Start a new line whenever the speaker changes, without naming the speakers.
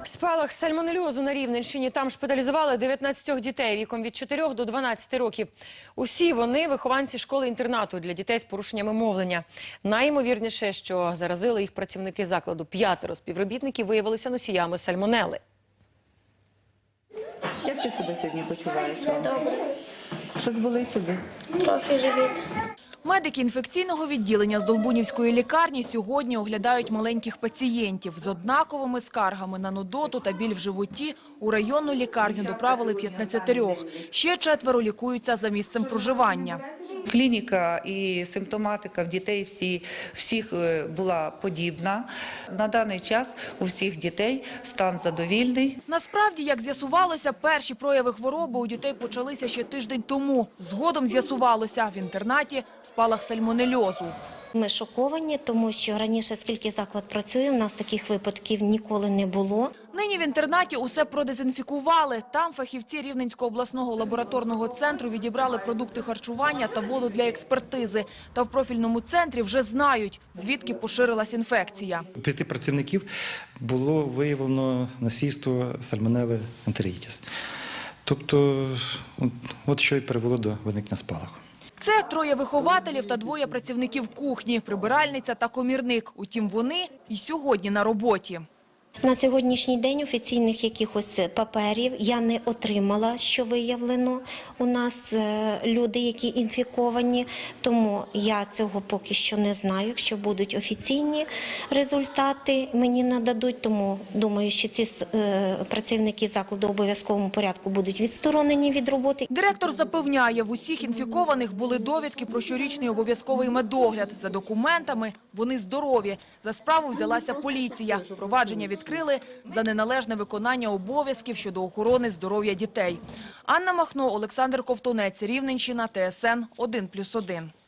Спалах сальмонельозу на Рівненщині. Там шпиталізували 19 дітей віком від 4 до 12 років. Усі вони – вихованці школи-інтернату для дітей з порушеннями мовлення. Найімовірніше, що заразили їх працівники закладу. 5 співробітників виявилися носіями сальмонели.
Як ти себе сьогодні почуваєш?
Добре.
Щось болить тобі?
Трохи живіт.
Медики інфекційного відділення з Долбунівської лікарні сьогодні оглядають маленьких пацієнтів. З однаковими скаргами на нудоту та біль в животі у районну лікарню доправили 15. Ще 4 лікуються за місцем проживання.
Клініка і симптоматика в дітей всіх була подібна. На даний час у всіх дітей стан задовільний.
Насправді, як з'ясувалося, перші прояви хвороби у дітей почалися ще тиждень тому. Згодом з'ясувалося – в інтернаті спалах сальмонельозу.
Ми шоковані, тому що раніше, скільки заклад працює, у нас таких випадків ніколи не було.
Нині в інтернаті усе продезінфікували. Там фахівці Рівненського обласного лабораторного центру відібрали продукти харчування та воду для експертизи. Та в профільному центрі вже знають, звідки поширилась інфекція.
У 5 працівників було виявлено носійство сальмонели ентерітіс. Тобто, от що й привело до виникнення спалаху.
Це 3 вихователів та 2 працівників кухні, прибиральниця та комірник. Утім, вони і сьогодні на роботі.
На сьогоднішній день офіційних якихось паперів я не отримала, що виявлено. У нас люди, які інфіковані, тому я цього поки що не знаю. Якщо будуть офіційні результати, мені нададуть, тому думаю, що ці працівники закладу в обов'язковому порядку будуть відсторонені від роботи.
Директор запевняє, в усіх інфікованих були довідки про щорічний обов'язковий медогляд. За документами вони здорові. За справу взялася поліція. Провадження відкрили за неналежне виконання обов'язків щодо охорони здоров'я дітей. Анна Махно, Олександр Ковтунець, Рівненщина, ТСН 1+1.